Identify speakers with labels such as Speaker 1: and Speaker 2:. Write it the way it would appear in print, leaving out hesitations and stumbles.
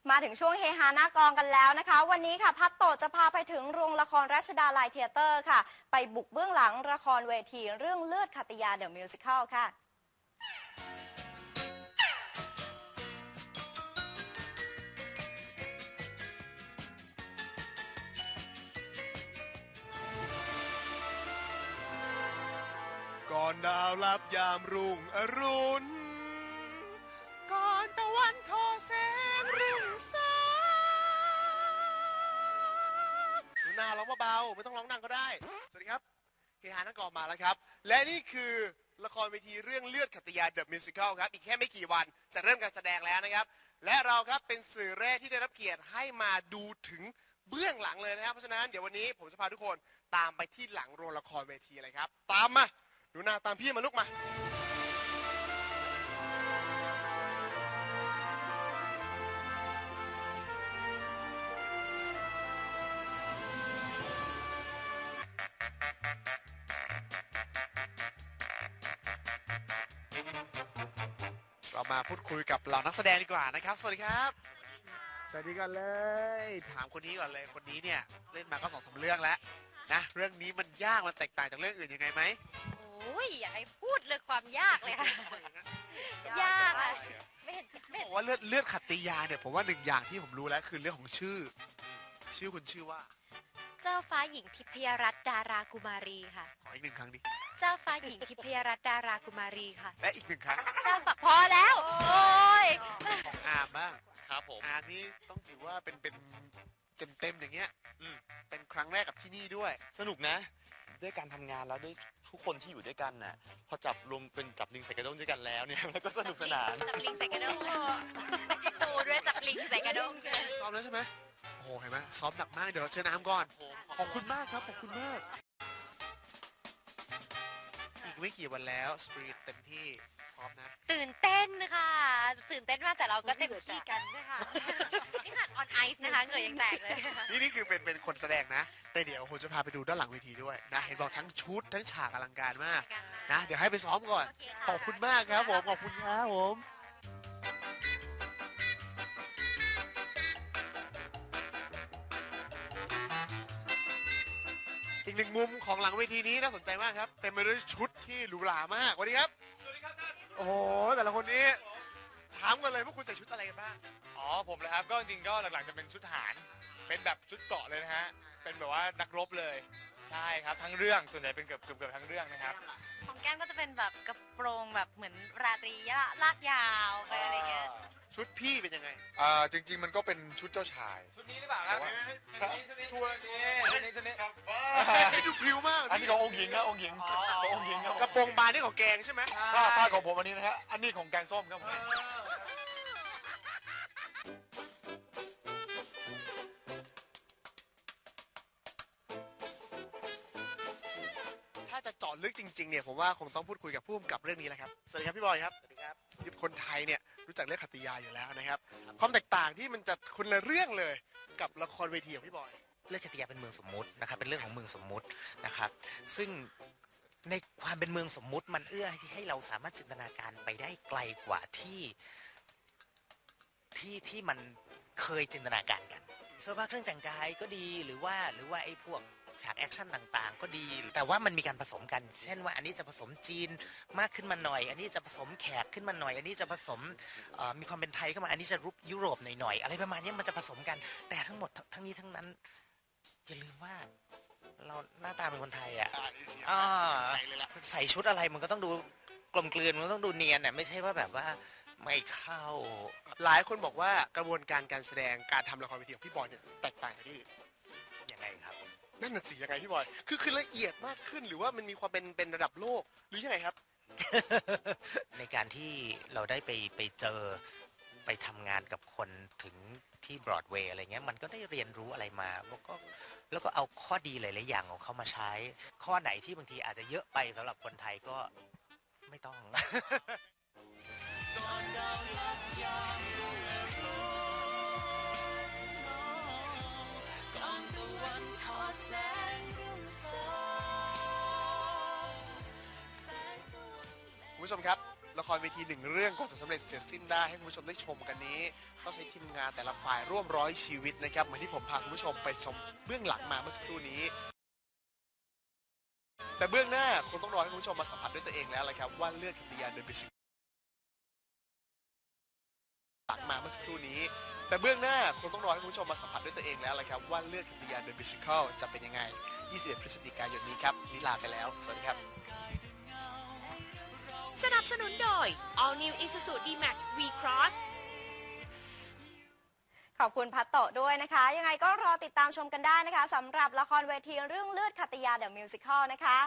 Speaker 1: มาถึงช่วงเฮฮาหน้ากองกันแล้วนะคะ วันนี้ค่ะพัดโตจะพาไปถึงโรงละครรัชดาลัยเธียเตอร์ค่ะไปบุกเบื้องหลังละครเวทีเรื่องเลือดขัตติยาเดอะมิวสิคัลค่ะ
Speaker 2: ก่อนดาวลับยามรุ่งอรุณก่อนตะวันทอแสงรุ่งสางหนูนาร้องเบาๆไม่ต้องร้องดังก็ได้สวัสดีครับเฮฮานักกองมาแล้วครับและนี่คือละครเวทีเรื่องเลือดขัตติยาเดอะมิวสิคัลครับอีกแค่ไม่กี่วันจะเริ่มการแสดงแล้วนะครับและเราครับเป็นสื่อแรกที่ได้รับเกียรติให้มาดูถึงเบื้องหลังเลยนะครับเพราะฉะนั้นเดี๋ยววันนี้ผมจะพาทุกคนตามไปที่หลังโรงละครเวทีเลยครับตามมาหนูนาตามพี่มาลูกมาเรามาพูดคุยกับเหล่านักแสดงดีกว่านะครับสวัสดีครับสวัสดีกันเลยถามคนนี้ก่อนเลยคนนี้เนี่ยเล่นมาก็2-3 เรื่องแล้วนะเรื่องนี้มันยากมันแตกต่างจากเรื่องอื่นยังไงไหม
Speaker 3: โอ้ยอย่าให้พูดเลยความยากเลยค่ะยากอะไม่เห็น
Speaker 2: บอกว่าเลือดขัตติยาเนี่ยผมว่าหนึ่งอย่างที่ผมรู้แล้วคือเรื่องของชื่อคุณชื่อว่า
Speaker 3: เจ้าฟ้าหญิงทิพยรัตน์ดารากุมารีค่ะ
Speaker 2: ขออีก1 ครั้งดิ
Speaker 3: เจ้าฟ้าหญิงทิพยรัตน์ดารากุมารีค่ะ
Speaker 2: และอีก1 ครั้ง
Speaker 3: เจ้าฟ้าพอแล้วโอ้ย
Speaker 2: ของอาร์มบ้าง
Speaker 4: ครับผม
Speaker 2: อาร์มนี่ต้องถือว่าเป็นเต็มอย่างเงี้ยเป็นครั้งแรกกับที่นี่ด้วย
Speaker 4: สนุกนะด้วยการทำงานแล้วด้วยทุกคนที่อยู่ด้วยกันน่ะพอจับรวมเป็นจับลิงใส่กระด้งด้วยกันแล้วเนี่ยแล้วก็สนุกสนาน
Speaker 3: จับลิงใส่กระด้งไม่ใช่ปูด้วยจับลิงใส่กระด้ง
Speaker 2: ซ้อมแล้วใช่ไหมโอ้โหเห็นไหมซ้อมหนักมากเดี๋ยวเชิญอาร์มก่อนขอบคุณมากครับขอบคุณมากอีกไม่กี่วันแล้วสปริตเต็มที่พร้อมนะ
Speaker 3: ตื่นเต้นค่ะตื่นเต้นมากแต่เราก็เต็มที่กันด้วยค่ะนี่ขนาดออนไอซ์นะคะเหงื่อยังแตกเลย
Speaker 2: นี่คือเป็นคนแสดงนะแต่เดี๋ยวผมจะพาไปดูด้านหลังเวทีด้วยนะเห็นบอกทั้งชุดทั้งฉากอลังการมากนะเดี๋ยวให้ไปซ้อมก่อนขอบคุณมากครับผมขอบคุณครับผมอีกหนึ่งมุมของหลังเวทีนี้น่าสนใจมากครับเต็มไปด้วยชุดที่หรูหรามากสวัสดีครับสวัสดีครับท่านโอ้โหแต่ละคนนี้ถามกันเลยว่าคุณใส่ชุดอะไรกันบ้าง
Speaker 5: อ๋อผมนะครับก็จริงๆก็หลักๆจะเป็นชุดทหารเป็นแบบชุดเกราะเลยนะฮะเป็นแบบว่านักรบเลยใช่ครับทั้งเรื่องส่วนใหญ่เป็นเกือบทั้งเรื่องนะครับ
Speaker 3: ของแก้มก็จะเป็นแบบกระโปรงแบบเหมือนราตรีลากยาวไปอะไรเงี้ย
Speaker 2: ชุดพี่เป็นยังไง
Speaker 4: จริงๆมันก็เป็นชุดเจ้าชาย
Speaker 5: ชุดนี้หรือเปล่าครับชุดนี้ชุดนี้
Speaker 2: ดูพริ้วมาก
Speaker 4: อันนี้ขององค์หญิงครับองค์หญิงขององค์หญิง
Speaker 2: กระโปรงบานนี่ของแกงใช่ไหม
Speaker 4: ถ้าของผมอันนี้นะฮะอันนี้ของแกงส้มครับผม
Speaker 2: ถ้าจะเจาะลึกจริงๆเนี่ยผมว่าคงต้องพูดคุยกับผู้กำกับเรื่องนี้แหละครับสวัสดีครับพี่บอยครับสวัสดีครับคนไทยเนี่ยรู้จักเรื่องขัตติยาอยู่แล้วนะครับความแตกต่างที่มันจะคนละเรื่องเลยกับละครเวทีของพี่บอย
Speaker 6: เรื่องขัตติยาเป็นเมืองสมมุตินะครับเป็นเรื่องของเมืองสมมุตินะครับซึ่งในความเป็นเมืองสมมุติมันเอื้อให้เราสามารถจินตนาการไปได้ไกลกว่าที่มันเคยจินตนาการกันเสื้อผ้าเครื่องแต่งกายก็ดีหรือว่าไอ้พวกฉากแอคชั่นต่างๆก็ดีแต่ว่ามันมีการผสมกันเช่นว่าอันนี้จะผสมจีนมากขึ้นมาหน่อยอันนี้จะผสมแขกขึ้นมาหน่อยอันนี้จะผสมมีความเป็นไทยเข้ามาอันนี้จะรูปยุโรปหน่อยๆอะไรประมาณนี้มันจะผสมกันแต่ทั้งหมดทั้งนี้ทั้งนั้นอย่าลืมว่าเราหน้าตาเป็นคนไทยอ่ะใส่ชุดอะไรมันก็ต้องดูกลมกลืนมันต้องดูเนียนอ่ะไม่ใช่ว่าแบบว่าไม่เข้า
Speaker 2: หลายคนบอกว่ากระบวนการการแสดงการทำละครเวทีของพี่บอยเนี่ยแตกต่างจากที่อื่น
Speaker 6: ยังไงครับ
Speaker 2: นั่นน่ะสิยังไงพี่บอยคือละเอียดมากขึ้นหรือว่ามันมีความเป็นระดับโลกหรือยังไงครับ
Speaker 6: ในการที่เราได้ไปเจอไปทำงานกับคนถึงที่บรอดเวย์อะไรเงี้ยมันก็ได้เรียนรู้อะไรมาแล้วก็เอาข้อดีหลายๆอย่างของเขามาใช้ข้อไหนที่บางทีอาจจะเยอะไปสำหรับคนไทยก็ไม่ต้อง
Speaker 2: คุณผู้ชมครับละครเวทีหนึ่งเรื่องกว่าจะสำเร็จเสร็จสิ้นได้ให้คุณผู้ชมได้ชมกันนี้ต้องใช้ทีมงานแต่ละฝ่ายร่วม100 ชีวิตนะครับเหมือนที่ผมพาคุณผู้ชมไปชมเบื้องหลังมาเมื่อสักครู่นี้แต่เบื้องหน้าคงต้องรอให้คุณผู้ชมมาสัมผัสด้วยตัวเองแล้วละครับว่าเลือดขัตติยาเดอะมิวสิคหลังมาเมื่อสักครู่นี้แต่เบื้องหน้าคงต้องรอให้คุณผู้ชมมาสัมผัสด้วยตัวเองแล้วละครับว่าเลือดขัตติยาเดอะมิวสิคัลจะเป็นยังไง21 พฤศจิกายนนี้ครับนิลาไปแล้วสวัสดีครับ
Speaker 7: สนับสนุนโดย All New Isuzu D-Max V-Cross
Speaker 1: ขอบคุณพัตโตะด้วยนะคะ ยังไงก็รอติดตามชมกันได้นะคะสำหรับละครเวทีเรื่องเลือดขัตติยาเดอะมิวสิคัลนะคะ